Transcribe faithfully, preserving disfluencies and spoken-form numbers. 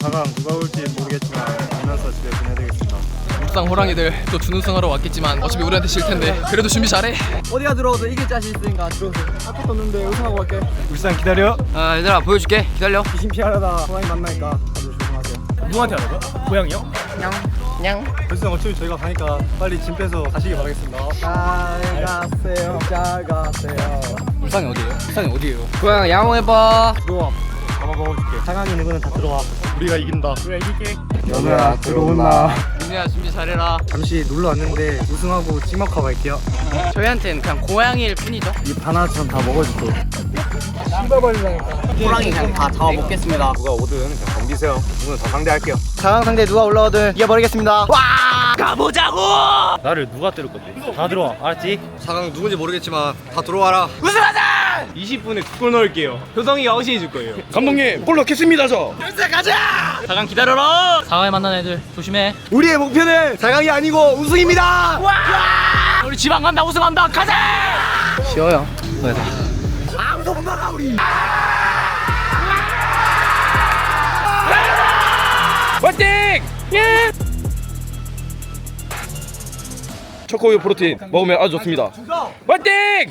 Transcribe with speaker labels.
Speaker 1: 사 강 누가 올지 모르겠지만 보면서 집에 보내야 되겠습니다.
Speaker 2: 울산 호랑이들 또 준우승하러 왔겠지만 어차피 우리한테 질 텐데 그래도 준비 잘해.
Speaker 3: 어디가 들어오도 이길 자신 있으니까 들어오세요. 아무것도 없는데 우승하고 갈게.
Speaker 1: 울산 기다려.
Speaker 4: 아 얘들아 보여줄게. 기다려.
Speaker 3: 귀신 피하려다 호랑이 만나니까 다들 조심하세요.
Speaker 1: 누구한테 하라고요? 고양이요?
Speaker 4: 냥.
Speaker 1: 울산 어차피 저희가 가니까 빨리 짐 빼서 가시길 바라겠습니다.
Speaker 3: 잘 가세요. 잘 가세요.
Speaker 2: 울산이 어디예요? 울산이 어디예요?
Speaker 4: 고양 양호해봐.
Speaker 1: 들어와. 잡아 먹어줄게. 사 강에 있는 거는 다 들어와. 우리가 이긴다. 우리가 이길게.
Speaker 3: 연우야 들어온나.
Speaker 2: 민우야 준비 잘해라.
Speaker 1: 잠시 놀러 왔는데 우승하고 찍먹하고 갈게요.
Speaker 4: 저희한테는 그냥 고양이일 뿐이죠.
Speaker 1: 입 하나처럼 다 먹어줄게.
Speaker 4: 호랑이 그냥 다 잡아 먹겠습니다.
Speaker 1: 누가 오든 그냥 덤비세요. 오늘 더 상대할게요.
Speaker 3: 사 강 상대 누가 올라오든 이겨버리겠습니다.
Speaker 4: 가보자고.
Speaker 1: 나를 누가 때릴 건데? 다 들어와. 알았지?
Speaker 2: 사 강 누군지 모르겠지만 다 들어와라.
Speaker 4: 우승하자.
Speaker 1: 이십 분에 두 골 넣을게요. 효성이가 어시해 줄 거예요. 감독님, 골 넣겠습니다 저.
Speaker 4: 사 강 기다려라.
Speaker 5: 사 강에 만난 애들 조심해.
Speaker 3: 우리의 목표는 사 강이 아니고 우승입니다.
Speaker 5: 우리 지방 간다, 우승한다, 가자!
Speaker 4: 쉬어요.
Speaker 3: 아무도 못 막아 우리.
Speaker 4: 화이팅! 예!
Speaker 6: 초코우유 프로틴 먹으면 아주 좋습니다.
Speaker 4: 화이팅!